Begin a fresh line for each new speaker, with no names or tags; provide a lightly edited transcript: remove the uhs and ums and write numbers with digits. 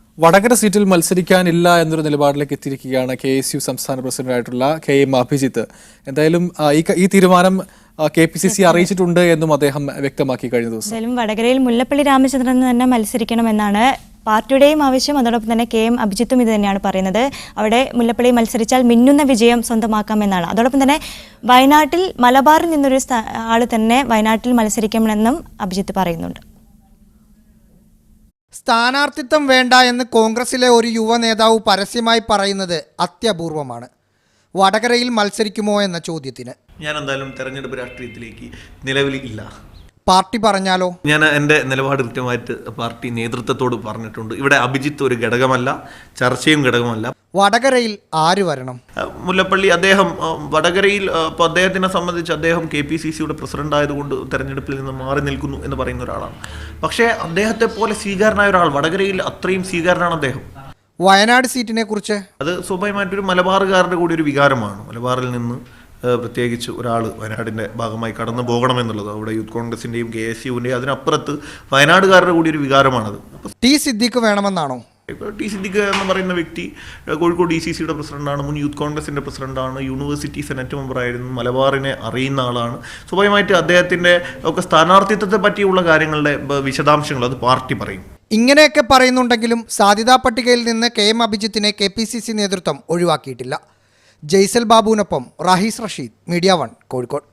വടകര സീറ്റിൽ മത്സരിക്കാനില്ല എന്നൊരു നിലപാടിലേക്ക് എത്തിയിരിക്കുകയാണ് KSU സംസ്ഥാന പ്രസിഡന്റായിട്ടുള്ള KM അഭിജിത്ത്. എന്തായാലും ഈ തീരുമാനം KPCC അറിയിച്ചിട്ടുണ്ട് എന്നും അദ്ദേഹം വ്യക്തമാക്കി കഴിഞ്ഞ ദിവസം.
എന്തായാലും വടകരയിൽ മുല്ലപ്പള്ളി രാമചന്ദ്രൻ തന്നെ മത്സരിക്കണമെന്നാണ് പാർട്ടിയുടെയും ആവശ്യം. അതോടൊപ്പം തന്നെ KM അഭിജിത്തും ഇത് തന്നെയാണ് പറയുന്നത്. അവിടെ മുല്ലപ്പള്ളി മത്സരിച്ചാൽ മിന്നുന്ന വിജയം സ്വന്തമാക്കാമെന്നാണ്. അതോടൊപ്പം തന്നെ വയനാട്ടിൽ മലബാറിൽ നിന്നൊരു ആൾ തന്നെ വയനാട്ടിൽ മത്സരിക്കണമെന്നും അഭിജിത്ത് പറയുന്നുണ്ട്.
സ്ഥാനാർത്ഥിത്വം വേണ്ട എന്ന് കോൺഗ്രസിലെ ഒരു യുവ നേതാവ് പരസ്യമായി പറയുന്നത് അത്യപൂർവമാണ്. വടകരയിൽ മത്സരിക്കുമോ എന്ന ചോദ്യത്തിന്
ഞാൻ എന്തായാലും തെരഞ്ഞെടുപ്പ് രാഷ്ട്രീയത്തിലേക്ക് നിലവിൽ ഇല്ല.
പാർട്ടി പറഞ്ഞാലോ? ഞാൻ
എൻ്റെ നിലപാട് കൃത്യമായിട്ട് പാർട്ടി നേതൃത്വത്തോട് പറഞ്ഞിട്ടുണ്ട്. ഇവിടെ അഭിജിത്ത് ഒരു ഘടകമല്ല, ചർച്ചയും ഘടകമല്ല.
വടകരയിൽ ആര് വരണം?
മുല്ലപ്പള്ളി അദ്ദേഹം വടകരയിൽ ഇപ്പോൾ അദ്ദേഹത്തിനെ സംബന്ധിച്ച് അദ്ദേഹം KPCCയുടെ പ്രസിഡന്റ് ആയതുകൊണ്ട് തെരഞ്ഞെടുപ്പിൽ നിന്ന് മാറി നിൽക്കുന്നു എന്ന് പറയുന്ന ഒരാളാണ്. പക്ഷേ അദ്ദേഹത്തെ പോലെ സ്വീകാരനായ ഒരാൾ വടകരയിൽ അത്രയും സ്വീകാരനാണ് അദ്ദേഹം.
വയനാട് സീറ്റിനെ കുറിച്ച് അത്
സ്വാഭാവികമായിട്ടൊരു മലബാറുകാരുടെ കൂടി ഒരു വികാരമാണ്. മലബാറിൽ നിന്ന് പ്രത്യേകിച്ച് ഒരാൾ വയനാടിൻ്റെ ഭാഗമായി കടന്നു പോകണമെന്നുള്ളത് അവിടെ യൂത്ത് കോൺഗ്രസിൻ്റെയും KSUവിൻ്റെയും അതിനപ്പുറത്ത് വയനാടുകാരുടെ കൂടി ഒരു വികാരമാണത്.
ടി സിദ്ദീഖ് വേണമെന്നാണോ?
ടി സിദ്ദീഖ് എന്ന് പറയുന്ന വ്യക്തി കോഴിക്കോട് DCCയുടെ പ്രസിഡന്റാണ്, മുൻ യൂത്ത് കോൺഗ്രസിൻ്റെ പ്രസിഡന്റാണ്, യൂണിവേഴ്സിറ്റി സെനറ്റ് മെമ്പറായിരുന്നു, മലബാറിനെ അറിയുന്ന ആളാണ്. സ്വാഭാവികമായിട്ട് അദ്ദേഹത്തിൻ്റെ ഒക്കെ സ്ഥാനാർത്ഥിത്വത്തെ പറ്റിയുള്ള കാര്യങ്ങളുടെ വിശദാംശങ്ങൾ അത് പാർട്ടി പറയും.
ഇങ്ങനെയൊക്കെ പറയുന്നുണ്ടെങ്കിലും സാധ്യതാ പട്ടികയിൽ നിന്ന് KM അഭിജിത്തിനെ KPCC നേതൃത്വം ഒഴിവാക്കിയിട്ടില്ല. ജയ്സൽ ബാബുവിനൊപ്പം റാഹിസ് റഷീദ്, മീഡിയ 1 കോഴിക്കോട്.